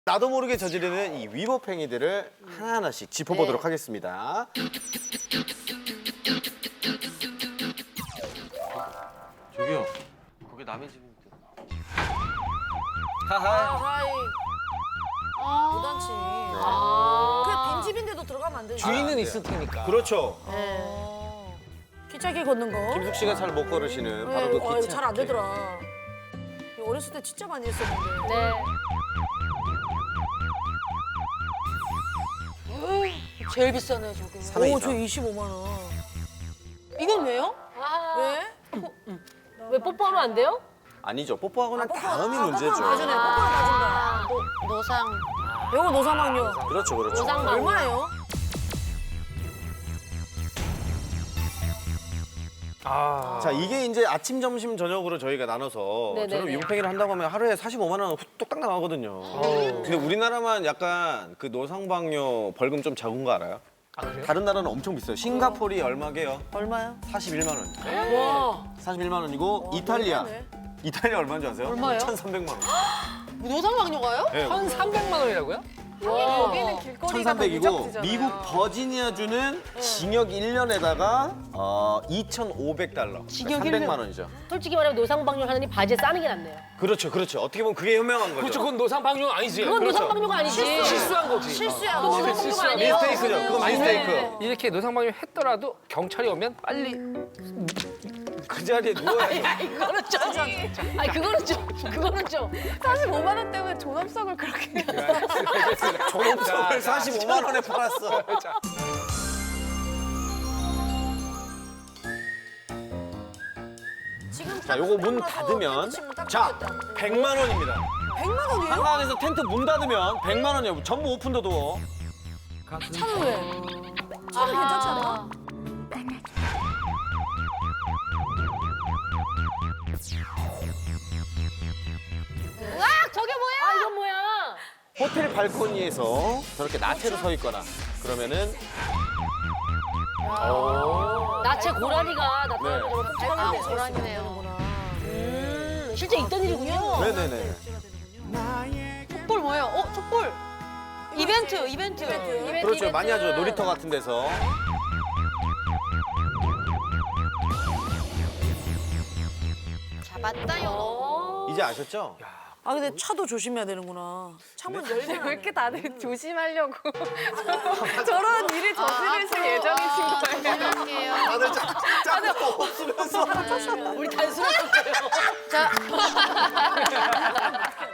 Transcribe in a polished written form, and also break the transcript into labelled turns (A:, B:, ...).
A: 나도 모르게 저지르는 이 위법 행위들을 하나하나씩 짚어보도록 하겠습니다. 저기요, 거기 남의 집인데.
B: 하이. 무단치.
C: 아.
B: 그냥 빈집인데도 들어가면 안 되지.
D: 주인은 있을 테니까.
A: 그렇죠.
B: 기차길 걷는 거.
A: 김숙 씨가 잘 못 걸으시는 바로 그
B: 이거
A: 기차.
B: 잘 안 되더라. 이거 어렸을 때 진짜 많이 했었는데.
C: 네.
B: 제일 비싸네 저게.
A: 삼회
B: 오,
A: 이상.
B: 저 25만 원.
E: 이건 왜요?
C: 아.
B: 왜?
C: 왜 뽀뽀하면 안 돼요?
A: 아니죠. 뽀뽀하고 난 다음이 문제죠.
B: 뽀뽀는 나중에 뽀뽀는 나중에.
E: 노상.
B: 요거 노사망요.
A: 그렇죠, 그렇죠.
C: 노상망.
B: 얼마예요?
A: 자, 이게 이제 아침, 점심, 저녁으로 저희가 나눠서
C: 네네네.
A: 저는 위법 행위를 한다고 하면 하루에 45만 원 뚝딱 나가거든요. 근데 우리나라만 약간 그 노상방뇨 벌금 좀 작은 거 알아요?
D: 아, 그래요?
A: 다른 나라는 엄청 비싸요. 싱가포르이 얼마게요?
B: 얼마요?
A: 41만 원.
B: 와.
A: 41만 원이고 이탈리아.
B: 너무하네.
A: 이탈리아 얼마인지 아세요?
E: 얼마요?
A: 1,300만 원.
E: 노상방뇨가요?
A: 네,
D: 1,300만 원이라고요?
E: 여기는 길거리가
A: 1,300이고 미국 버지니아주는 징역 1년에다가 2,500달러.
E: 징역
A: 300만
E: 1년.
A: 원이죠.
C: 솔직히 말하면 노상방뇨 하느니 바지에 싸는 게 낫네요.
A: 그렇죠, 그렇죠. 어떻게 보면 그게 현명한 거죠.
D: 그렇죠. 그건 노상방뇨가 아니지.
C: 그건
A: 그렇죠.
C: 노상방뇨가 아니지.
D: 실수한 거지.
B: 실수야.
C: 그건
B: 너.
C: 노상방뇨가 아니에요.
A: 미스테이크죠. 그건 미스테이크.
D: 이렇게 노상방뇨 했더라도 경찰이 오면 빨리
A: 그 자리에 누워야죠.
C: 그거는 좀. 아니 그거는 좀. 그거는 좀.
E: 45만 원 때문에 존엄성을 그렇게.
A: 졸업석을 45만 원에 팔았어.
B: 지금
A: 자, 요거 문 닫으면 자, 100만 원입니다.
B: 100만 원이에요?
A: 한강에서 텐트 문 닫으면 100만 원이에요. 전부 오픈도도.
B: 차는 왜? 차는 괜찮잖아.
C: 저게 뭐야? 아 이건 뭐야?
A: 호텔 발코니에서 저렇게 나체로 서 있거나 그러면은
C: 나체 고라니가 나타나는
A: 네.
C: 저런
E: 아,
C: 끔찍한
E: 고라니네요.
C: 실제 있던 일이군요.
A: 네네네.
E: 촛불 뭐예요? 촛불. 이벤트.
A: 그렇죠. 많이 하죠. 놀이터 같은 데서.
E: 잡았다요.
A: 이제 아셨죠?
B: 아 근데 차도 조심해야 되는구나. 창문 열면
E: 왜 이렇게 다들 조심하려고 저런 일을 저지르실 예정이신 거예요? 죄송해요.
A: 다들 짝도 없으면서.
C: 우리 단순한 거예요.
E: 자,